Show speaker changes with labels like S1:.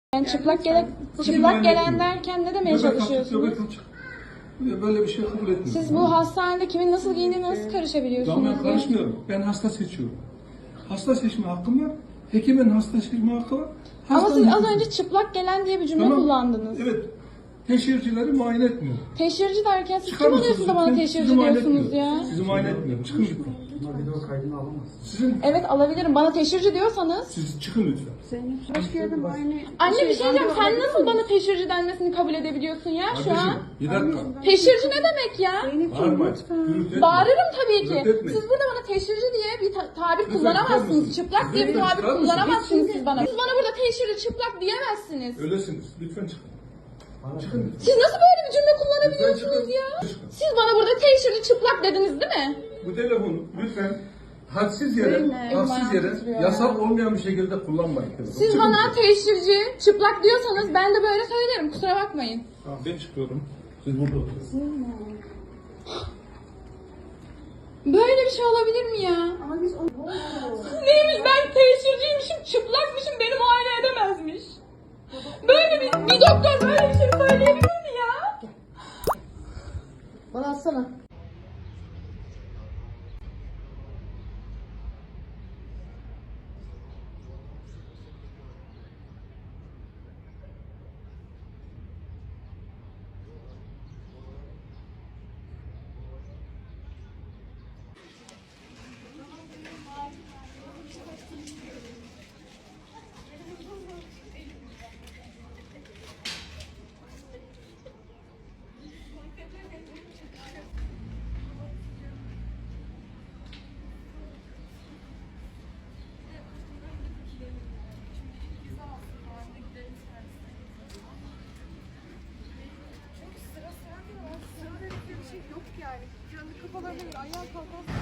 S1: Yani çıplak gelen derken ne demeye çalışıyorsunuz?
S2: Göbek açık. Böyle bir şey kabul etmiyorum.
S1: Siz bu hastanede kimin nasıl giyindiğine nasıl karışabiliyorsunuz?
S2: Ben karışmıyorum. Ben hasta seçiyorum. Hasta seçme hakkım var. Hekimin hasta seçme hakkı var.
S1: Ama siz az önce çıplak gelen diye bir cümle kullandınız.
S2: Evet. Teşhircileri muayene etmiyor.
S1: Teşhirci derken siz
S2: Çıkar
S1: kim
S2: mısınız
S1: oluyorsunuz da bana
S2: lütfen?
S1: teşhirci
S2: Sizi muayene
S1: diyorsunuz
S2: etmiyorum.
S1: ya?
S2: Sizi muayene etmiyorum. Çıkın lütfen.
S3: Ama video kaydını alamaz.
S2: Sizin,
S1: Evet alabilirim. Bana teşhirci diyorsanız.
S2: siz çıkın lütfen.
S4: Başka yerde muayene...
S1: Anne bir şey diyeceğim. Sen nasıl bana teşhirci denmesini kabul edebiliyorsun ya şu an?
S2: Kardeşim, bir dakika.
S1: Teşhirci ne demek ya?
S2: Bağırmayın. Gürültü etmeyin.
S1: Bağırırım tabii ki.
S2: Gürültü etmeyin.
S1: Siz burada bana teşhirci diye bir tabir
S2: Lütfen
S1: kullanamazsınız.
S2: çıkar
S1: Çıplak
S2: mısınız?
S1: diye bir
S2: Lütfen
S1: tabir
S2: çıkar mısınız?
S1: kullanamazsınız siz bana. Siz bana burada teşhirci çıplak diyemezsiniz.
S2: Öylesiniz. Lütfen çıkın. Çıkın lütfen.
S1: Siz nasıl böyle bir cümle kullanabiliyorsunuz
S2: Lütfen
S1: ya?
S2: çıkın. Çıkın.
S1: Siz bana burada teşhirci çıplak dediniz değil mi?
S2: Bu telefonu lütfen hadsiz yere,
S1: titriyor
S2: yasal olmayan bir şekilde kullanmayın.
S1: Siz
S2: Çıkın
S1: bana
S2: lütfen.
S1: teşhirci çıplak diyorsanız ben de böyle söylerim. Kusura bakmayın.
S2: Tamam, ben çıkıyorum. Siz burada oturun.
S1: Böyle bir şey olabilir mi ya?
S4: Ama biz onu...
S1: Neymiş ben teşhirciymişim, çıplakmışım, beni muayene edemezmiş. Böyle bir doktor böyle bir şey söyleyebilir mi ya?
S4: Bana atsana. Sıra bir şey yok yani. Kendi kafalarına göre ayağa kalkan